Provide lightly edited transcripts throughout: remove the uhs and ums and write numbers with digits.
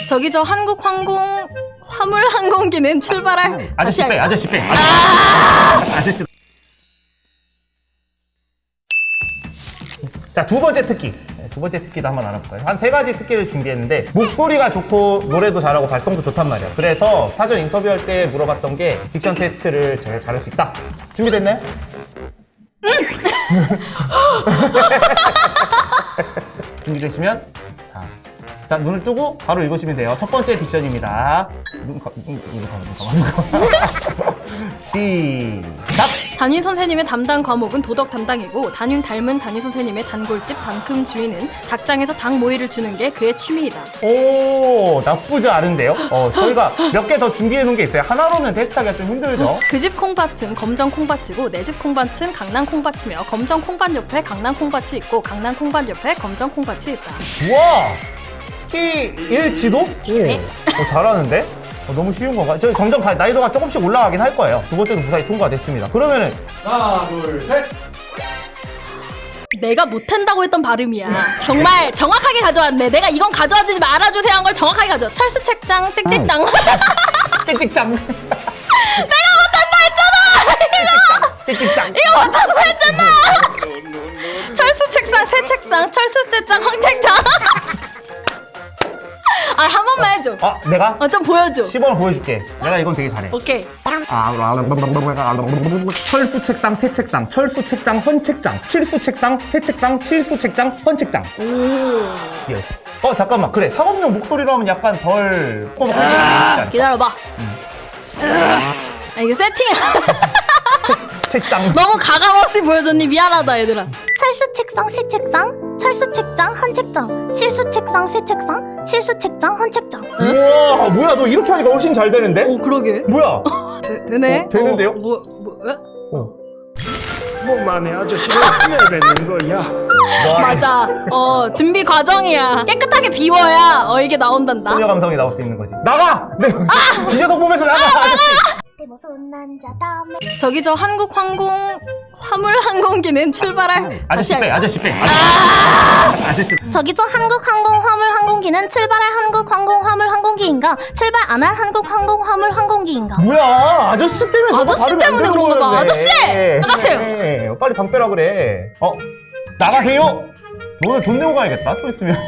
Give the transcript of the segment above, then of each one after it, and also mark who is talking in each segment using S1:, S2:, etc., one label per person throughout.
S1: 저기 저 한국항공 화물항공기는 출발할
S2: 아저씨
S1: 다시
S2: 빼,
S1: 할까?
S2: 아저씨 빼. 아저씨. 자, 두 번째 특기. 두 번째 특기도 한번 알아볼까요? 한 3가지 특기를 준비했는데 목소리가 좋고 노래도 잘하고 발성도 좋단 말이야. 그래서 사전 인터뷰할 때 물어봤던 게 딕션 테스트를 제가 잘할 수 있다. 준비됐나요? 준비되시면 자, 눈을 뜨고 바로 읽으시면 돼요. 첫 번째 딕션입니다. 눈 감아. 시작!
S1: 담임 선생님의 담당 과목은 도덕 담당이고 담임 닮은 담임 선생님의 단골집 단큼 주인은 닭장에서 닭 모이를 주는 게 그의 취미이다.
S2: 오, 나쁘지 않은데요? 저희가 몇 개 더 준비해 놓은 게 있어요. 하나로는 테스트하기가 좀 힘들죠?
S1: 그 집 콩밭은 검정 콩밭이고 내 집 콩밭은 강남 콩밭이며 검정 콩밭 옆에 강남 콩밭이 있고 강남 콩밭 옆에 검정 콩밭이 있다.
S2: 우와! T1 지도?
S1: 네.
S2: 잘하는데? 너무 쉬운 건가? 저 점점 난이도가 조금씩 올라가긴 할 거예요. 두 번째도 무사히 통과됐습니다. 그러면은
S3: 하나, 둘, 셋.
S1: 내가 못한다고 했던 발음이야. 정말 정확하게 가져왔네. 내가 이건 가져와주지 말아주세요 한 걸 정확하게 가져와. 철수 책장 찍찍당.
S2: 찍찍짱.
S1: 내가 못한다 했잖아.
S2: 찍찍짱.
S1: 이거 못한다 했잖아. 철수 책상 새 책상 철수 책장 황 책장. 아, 한 번만 해줘.
S2: 내가?
S1: 좀 보여줘.
S2: 시범을 보여줄게. 내가 이건 되게 잘해.
S1: 오케이.
S2: 철수 책상, 새 책상, 철수 책장, 헌 책장, 칠수 책상, 새 책상, 칠수 책장, 헌 책장.
S1: 오.
S2: 예. 잠깐만. 그래. 상업용 목소리로 하면 약간 덜.
S1: 기다려봐. 이거 세팅이야.
S2: 책장.
S1: 너무 가감없이 보여줬니? 미안하다 얘들아.
S4: 철수 책상 새 책상 철수 책장 헌 책장 칠수 책상 새 책상 칠수 책장 헌 책장.
S2: 우와, 뭐야, 너 이렇게 하니까 훨씬 잘 되는데?
S1: 오, 그러게.
S2: 뭐야?
S1: 되네.
S2: 되는데요?
S3: 뭐만의 아저씨를 내뱉는 거야.
S2: 맞아.
S1: 맞아. 준비 과정이야. 깨끗하게 비워야 이게 나온단다.
S2: 소녀 감성이 나올 수 있는 거지. 나가! 이 녀석 보면서 나가!
S4: 무서운 남자다며
S1: 저기 저 한국항공 화물항공기는 출발할 다시
S2: 아저씨 빼,
S1: 할까?
S2: 아저씨 빼. 아저씨.
S4: 저기 저 한국항공 화물항공기는 출발할 한국항공화물항공기인가 출발 안 할 한국항공화물항공기인가.
S2: 뭐야, 아저씨 때문에 너가
S1: 아저씨
S2: 발음이
S1: 때문에
S2: 안
S1: 그런
S2: 되는
S1: 거다.
S2: 거였네.
S1: 아저씨! 나가세요.
S2: 그래. 빨리 방 빼라 그래. 나가세요? 너는 돈 내고 가야겠다, 또 있으면.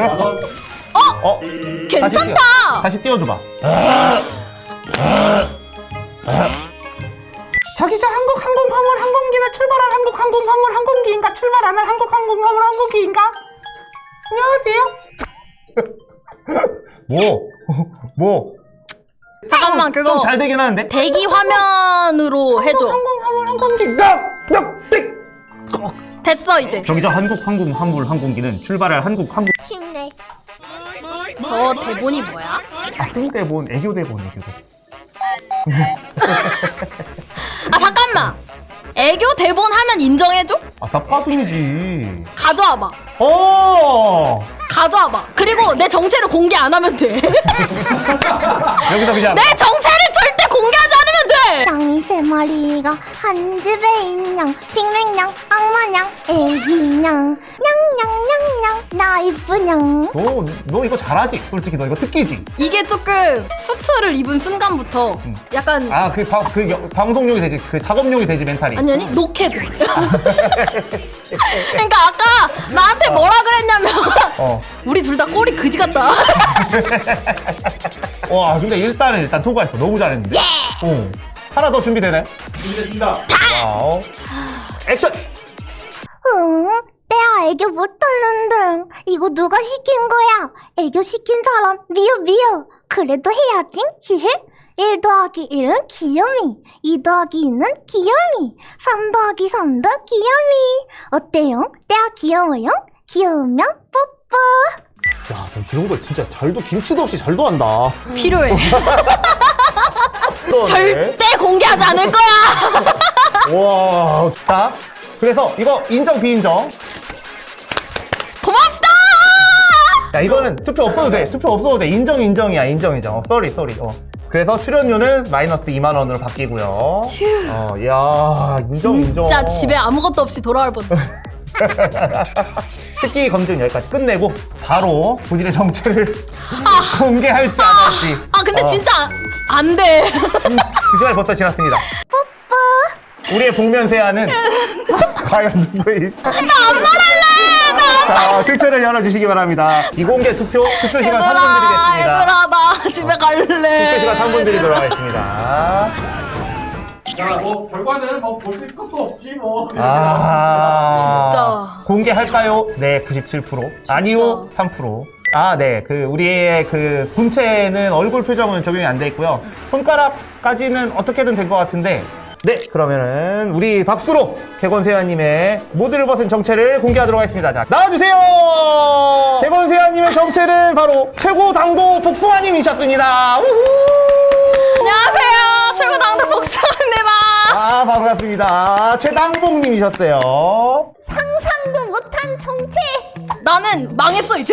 S1: 괜찮다.
S2: 다시 띄워줘봐. 저기 저 한국항공화물항공기는 출발할 한국항공화물항공기인가 출발 안 할 한국항공화물항공기인가? 안녕하세요. 뭐?
S1: 잠깐만 그거
S2: 좀 잘 되긴 하는데?
S1: 대기 화면으로 해줘.
S2: 항공기인가?
S1: 됐어 이제.
S2: 저기 저 한국항공화물항공기는 출발할 한국항공.
S4: 힘내.
S1: 저 대본이 뭐야?
S2: 대본, 애교대본.
S1: 잠깐만. 애교 대본 하면 인정해줘?
S2: 쌉가둥이지.
S1: 가져와봐. 가져와봐. 그리고 내 정체를 공개 안 하면 돼.
S2: 여기서 그냥.
S1: 내 정체를 절대 공개하지 않으면 돼.
S4: 쌍이 세 마리가 한 집에 있냥 핑맹냥 악마냥 애기냥 냥냥냥냥 나 이쁘냥.
S2: 너 이거 잘하지? 솔직히 너 이거 특기지?
S1: 이게 조금 수트를 입은 순간부터 약간
S2: 방송용이 되지, 작업용이 되지, 멘탈이.
S1: 아니 녹해도. 그러니까 아까 나한테 뭐라 그랬냐면 우리 둘 다 꼬리 그지 같다.
S2: 와, 근데 일단 통과했어. 너무 잘했는데. 하나 더 준비되나요?
S3: 준비됐습니다.
S2: 와우. 액션!
S4: 응? 내가 애교 못하는데 이거 누가 시킨 거야? 애교 시킨 사람 미워. 그래도 해야지. 히히. 1 더하기 1은 귀요미, 2 더하기 2는 귀요미, 3 더하기 3도 귀요미. 어때요? 내가 귀여워요? 귀여우면 뽀뽀.
S2: 야, 너 이런 거 진짜 김치도 없이 잘도 한다.
S1: 필요해. 절대 공개하지 않을 거야.
S2: 와, 자, 그래서 이거 인정, 비인정.
S1: 고맙다.
S2: 야, 이거는 투표 없어도 돼. 인정이야. 쏘리. 그래서 출연료는 마이너스 2만 원으로 바뀌고요. 야, 인정.
S1: 진짜 집에 아무것도 없이 돌아올 뻔.
S2: 특기 검증 여기까지 끝내고 바로 본인의 정체를 공개할지 안 할지.
S1: 근데 진짜 안 돼.
S2: 2시간이 벌써 지났습니다. 우리의 복면세아는 과연 누구일지. 나 안 말할래! 투표를 열어주시기 바랍니다. 이공개 투표 시간 3분 드리겠습니다.
S1: 얘들아, 나 집에 갈래.
S2: 투표 시간 3분 드리도록 하겠습니다.
S3: 자, 뭐 결과는 뭐 보실 것도 없지 뭐.
S1: 진짜.
S2: 공개할까요? 네, 97%. 아니요, 3%. 네. 우리의 본체는 얼굴 표정은 적용이 안 돼 있고요. 손가락까지는 어떻게든 된 것 같은데. 네, 그러면은 우리 박수로 개건세아님의 모드를 벗은 정체를 공개하도록 하겠습니다. 자, 나와주세요! 개건세아님의 정체는 바로 최고 당도 복숭아님이셨습니다. 우후!
S1: 안녕하세요. 최고 당도 복숭아입니다.
S2: 반갑습니다. 최당봉님이셨어요.
S4: 상상도 못한 정체.
S1: 나는 망했어, 이제.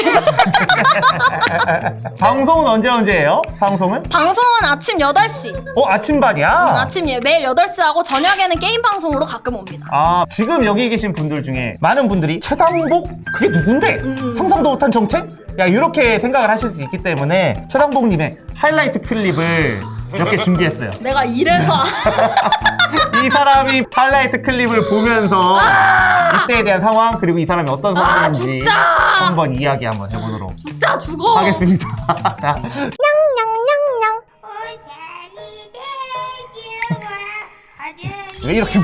S2: 방송은 언제예요? 방송은?
S1: 방송은 아침 8시.
S2: 아침반이야?
S1: 아침 매일 8시 하고 저녁에는 게임 방송으로 가끔 옵니다.
S2: 지금 여기 계신 분들 중에 많은 분들이 최당복? 그게 누군데? 상상도 못한 정책? 이렇게 생각을 하실 수 있기 때문에 최당복님의 하이라이트 클립을 몇 개 준비했어요.
S1: 내가 이래서
S2: 이 사람이 하이라이트 클립을 보면서 이때에 대한 상황 그리고 이 사람이 어떤 사람인지
S1: 진짜!
S2: 한번 이야기 한번 해보도록
S1: 진짜 죽어.
S2: 하겠습니다. 자,
S4: 냥냥냥냥.
S2: 왜 이렇게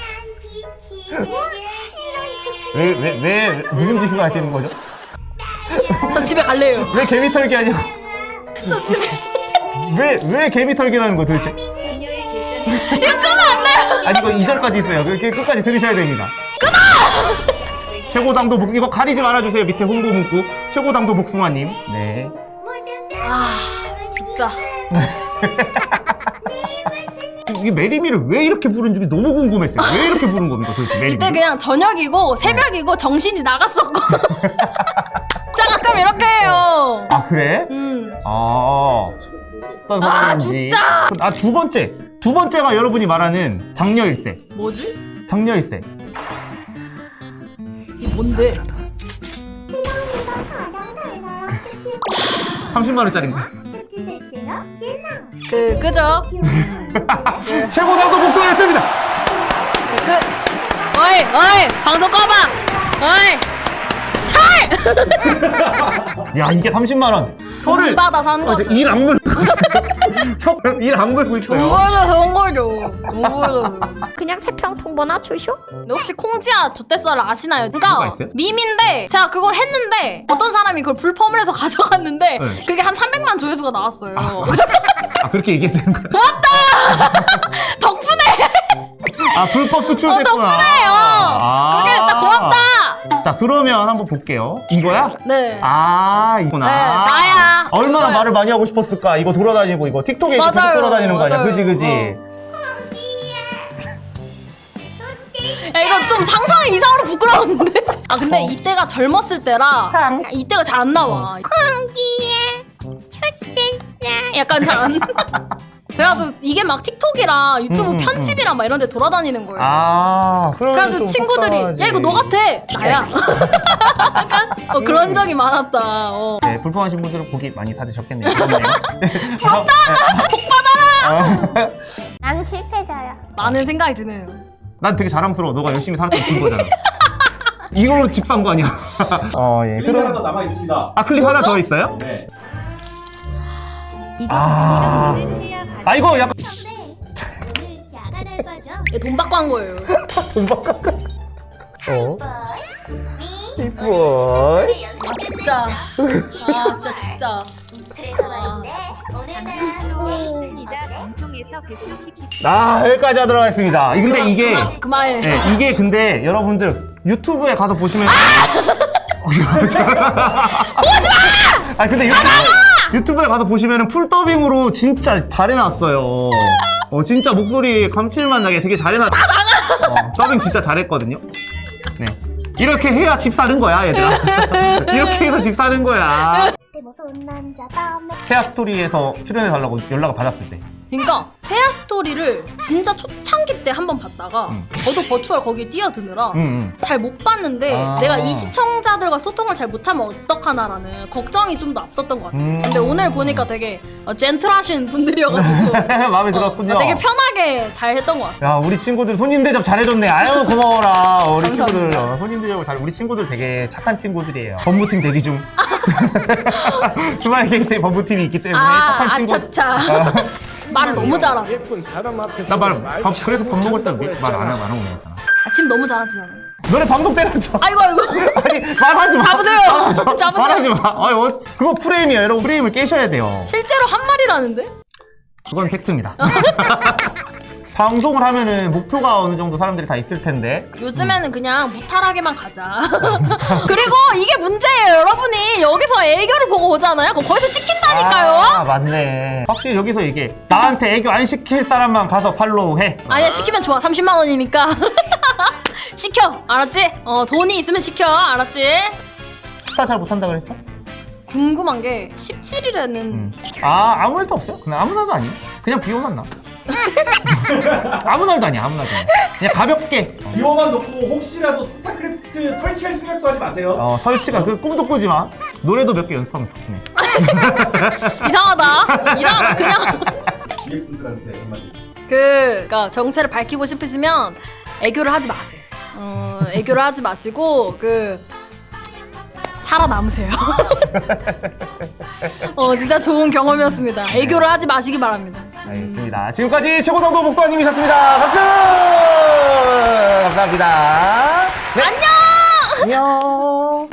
S2: 왜 무슨 짓을 하시는 거죠?
S1: 저 집에 갈래요.
S2: 왜 개미 털기 하냐고?
S1: 저 집에.
S2: 왜 개미 털기라는 거 도대체?
S1: 이거 끄면 안 돼요.
S2: 아니 이거 2절까지 있어요. 끝까지 들으셔야 됩니다. 끊어! 최고당도 이거 가리지 말아주세요. 밑에 홍보 문구 최고당도 복숭아님. 네.
S1: 진짜.
S2: 이게 메리미를 왜 이렇게 부른지 너무 궁금했어요. 왜 이렇게 부른 겁니까 도대체 메리미?
S1: 이때 그냥 저녁이고 새벽이고 정신이 나갔었고. 진짜 가끔 이렇게 해요.
S2: 그래? 어떤 사람인지.
S1: 진짜.
S2: 두 번째가 여러분이 말하는 장녀일세.
S1: 뭐지?
S2: 장녀일세.
S1: 이게 뭔데?
S2: 30만 원짜리인가?
S1: 그죠?
S2: 최고당도 복숭아였습니다.
S1: 어이 방송 꺼봐. 어이 철.
S2: 야 이게 30만 원.
S1: 돈 받아서 한 거죠.
S2: 일안 물고 일안 물고 있어요.
S1: 좋은 거죠.
S4: 그냥 세평 통보나 주쇼?
S1: 혹시 콩지아 좆대썰을 아시나요?
S2: 누가
S1: 그러니까
S2: 있어요?
S1: 밈인데 제가 그걸 했는데 어떤 사람이 그걸 불펌을 해서 가져갔는데
S2: 네.
S1: 그게 한 300만 조회수가 나왔어요.
S2: 그렇게 얘기해도 되는 거야?
S1: 덕분에
S2: 불법 수출됐구나.
S1: 덕분에요. 그게 나 고맙다.
S2: 자 그러면 한번 볼게요. 이거야?
S1: 네.
S2: 이거나.
S1: 네, 나야.
S2: 얼마나
S1: 그거야.
S2: 말을 많이 하고 싶었을까? 이거 돌아다니고 이거 틱톡에 계속
S1: 맞아요,
S2: 돌아다니는 거 아니야?
S1: 맞아요.
S2: 그지?
S1: 야, 이거 좀 상상이 이상으로 부끄러운데? 근데 이때가 젊었을 때라 이때가 잘 안 나와.
S4: 콩지에 촛대싸.
S1: 약간 잘 안. 그래가지고 이게 막 틱톡이랑 유튜브 편집이랑 막 이런 데 돌아다니는 거예요.
S2: 그러면
S1: 그래가지고
S2: 좀
S1: 친구들이
S2: 속상하지.
S1: 야 이거 너 같아. 나야. 약간 그런 적이 많았다.
S2: 네, 불편하신 분들은 고기 많이 사드셨겠네요. 부럽다! 복 받아라!
S4: 나는 실패자야.
S1: 많은 생각이 드네요.
S2: 난 되게 자랑스러워. 너가 열심히 살았던 증거잖아. 이걸로 집 산 거 아니야? 예.
S3: 클립 하나 더 남아 있습니다.
S2: 클립 하나 더 있어요?
S3: 네.
S2: 이거 약간
S1: 얘 돈 받고 한 거예요.
S2: 돈 바꿔. 이뻐.
S1: 진짜. 진짜.
S5: 방송에서 백조 키키
S2: 여기까지 하도록 하겠습니다. 근데 이게
S1: 그만해.
S2: 네, 이게 근데 여러분들 유튜브에 가서 보시면 보지마! 근데 유튜브에 가서 보시면 풀더빙으로 진짜 잘 해놨어요. 진짜 목소리 감칠맛 나게 되게 잘 해놨어요. 더빙 진짜 잘했거든요. 네. 이렇게 해야 집 사는 거야, 얘들아. 이렇게 해서 집 사는 거야.
S4: 무서운 남자 다음에
S2: 태아 스토리에서 출연해달라고 연락을 받았을 때
S1: 그러니까 세아 스토리를 진짜 초창기 때 한 번 봤다가 저도 버추얼 거기에 뛰어드느라 잘 못 봤는데
S2: 아.
S1: 내가 이 시청자들과 소통을 잘 못하면 어떡하나라는 걱정이 좀 더 앞섰던 것 같아요. 근데 오늘 보니까 되게 젠틀하신 분들이어가지고
S2: 마음에 들었군요.
S1: 되게 편하게 잘 했던 것 같아요.
S2: 야, 우리 친구들 손님 대접 잘해줬네. 아유, 고마워라. 우리
S1: 감사합니다.
S2: 친구들 손님 대접을 잘. 우리 친구들 되게 착한 친구들이에요. 법무팀 대기 중. 주말 계획 때 법무팀이 있기 때문에 착한 친구.
S1: 아차차. 말을 너무 잘하죠.
S5: 예쁜 사람 앞에서
S2: 그래서 밥 먹을 때 말 안 하고 먹었잖아.
S1: 지금 너무 잘하시잖아요.
S2: 너네 방송 때렸죠?
S1: 아이고.
S2: 아니, 말하지 마.
S1: 잡으세요. 잡으세요.
S2: 말하지 마. 아니, 그거 프레임이에요. 여러분, 프레임을 깨셔야 돼요.
S1: 실제로 한 마리라는데?
S2: 그건 팩트입니다. 방송을 하면은 목표가 어느 정도 사람들이 다 있을 텐데.
S1: 요즘에는 그냥 무탈하게만 가자. 그리고 이게 문제예요. 여러분이 여기서 애교를 보고 오잖아요. 그럼 거기서 시킨다니까요.
S2: 아, 맞네. 확실히 여기서 이게 나한테 애교 안 시킬 사람만 가서 팔로우 해.
S1: 아니야, 시키면 좋아. 30만 원이니까. 시켜. 알았지? 돈이 있으면 시켜. 알았지?
S2: 스타 잘 못한다 그랬죠?
S1: 궁금한 게 17일에는
S2: 아무 날도 없어요? 그냥 아무 날도 아니에요. 그냥 비 오만 나. 아무 날도 아니야, 아무 날도 아니야. 그냥 가볍게.
S3: 비호만 놓고 혹시라도 스타크래프트 설치할 생각도 하지 마세요.
S2: 설치가 그 꿈도 꾸지 마. 노래도 몇 개 연습하면 좋긴 해.
S1: 이상하다. 그냥
S3: 뒤에 분들한테 한마디.
S1: 그러니까 정체를 밝히고 싶으시면 애교를 하지 마세요. 애교를 하지 마시고 살아남으세요. 진짜 좋은 경험이었습니다. 애교를 하지 마시기 바랍니다.
S2: 알겠습니다. 지금까지 최고당도 목사님이셨습니다. 박수! 감사합니다. 네.
S1: 안녕!
S2: 안녕!